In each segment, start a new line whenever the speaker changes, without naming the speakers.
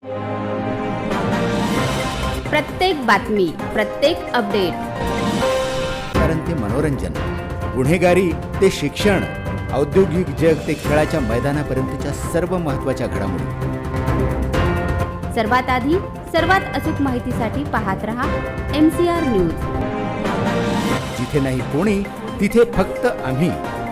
प्रत्येक बातमी, प्रत्येक अपडेट,
कारण ते मनोरंजन, गुन्हेगारी ते शिक्षण, औद्योगिक जग ते खेळाच्या मैदानापर्यंतच्या सर्व महत्त्वाच्या घडामोडी.
सर्वात आधी सर्वात अचूक माहितीसाठी पाहत रहा MCR न्यूज.
जिथे नाही कोणी तिथे फक्त आम्ही.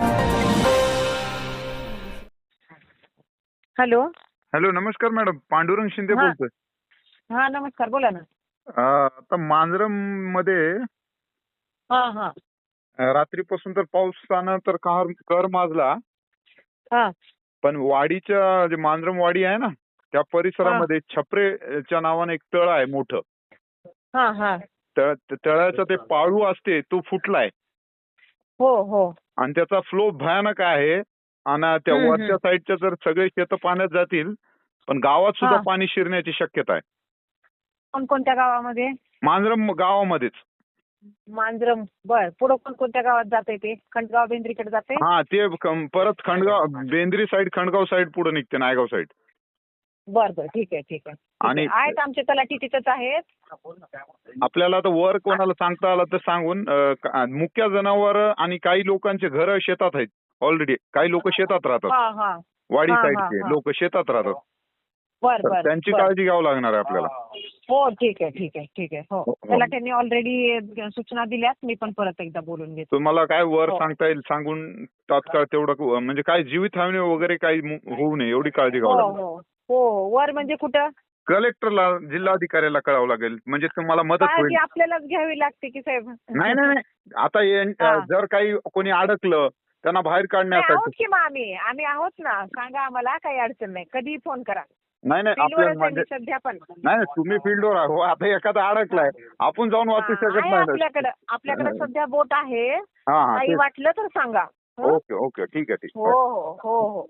हॅलो.
हॅलो, नमस्कार मॅडम. पांडुरंग शिंदे
हा.
बोलतोय.
हा नमस्कार, बोला ना.
आता मांजरम मध्ये
हा.
रात्रीपासून तर पावसानं तर कर माजला.
हा.
पण वाडीच्या जे मांजरम वाडी आहे ना, त्या परिसरामध्ये छपरेच्या नावाने एक तळ आहे मोठं.
हा.
तळ्याचा ते पाळू असते तो फुटलाय
हो.
आणि त्याचा फ्लो भयानक आहे. आणि त्या वरच्या साईडच्या जर सगळे शेत पाण्यात जातील, पण गावात सुद्धा पाणी शिरण्याची शक्यता आहे.
कोणत्या गावामध्ये?
मांजरम गावामध्येच.
मांजरम. बर, पुढे कोणत्या गावात जाते ते? खंडगाव बेंद्रीकडे जाते?
हा, ते परत खंडगाव बेंद्री साईड, खंडगाव साईड पुढे निघते, नायगाव साईड.
बर, ठीक आहे.
आणि
आहेत आमचे तलाठी तिथेच आहेत.
आपल्याला तर वर कोणाला सांगता आलं तर सांगून, मुख्य जनावर आणि काही लोकांचे घर शेतात आहेत ऑलरेडी. काही लोक शेतात राहतात. वाडी साईडचे लोक शेतात राहतात.
बर.
त्यांची काळजी घ्यावं लागणार आहे आपल्याला.
हो, ठीक आहे. हो, तलाठ्यांनी ऑलरेडी सूचना दिल्यात. मी पण परत एकदा बोलून घेतो.
तुम्हाला काय वर सांगता येईल सांगून तात्काळ तेवढं, म्हणजे काय जीवितहानी वगैरे काही होऊ नये एवढी काळजी घ्यावी लागेल.
हो. वर म्हणजे कुठं?
कलेक्टरला, जिल्हाधिकाऱ्याला कळावं लागेल, म्हणजे तुम्हाला मदत होईल.
काळजी आपल्यालाच घ्यावी लागते की साहेब?
नाही. आता जर काही कोणी अडकलं त्यांना बाहेर
आहोत
काढण्यासाठी.
की मग आम्ही आहोत ना. सांगा आम्हाला, काही अडचण नाही. कधी फोन करा.
नाही आपल्याला म्हणजे
सध्या पण
नाही, तुम्ही फील्डवर आहो. आता एखादा अडकलाय, आपण जाऊन वाचू शकत नाही.
आपल्याकडे सध्या बोट आहे.
हा,
काही वाटलं तर सांगा.
ओके, ठीक आहे.
हो.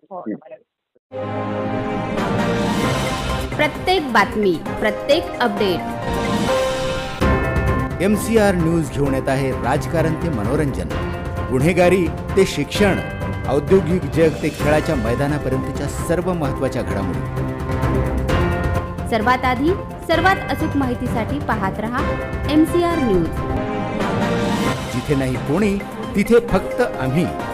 प्रत्येक बातमी, प्रत्येक अपडेट,
MCR न्यूज घेऊन येत आहे राजकारण ते मनोरंजन, गुन्हेगारी ते शिक्षण, औद्योगिक जग ते खेळाच्या मैदानापर्यंतच्या सर्व महत्त्वाच्या घडामोडी.
सर्वात आधी सर्वात अचूक माहितीसाठी पाहत रहा MCR न्यूज.
जिथे नाही कोणी तिथे फक्त आम्ही.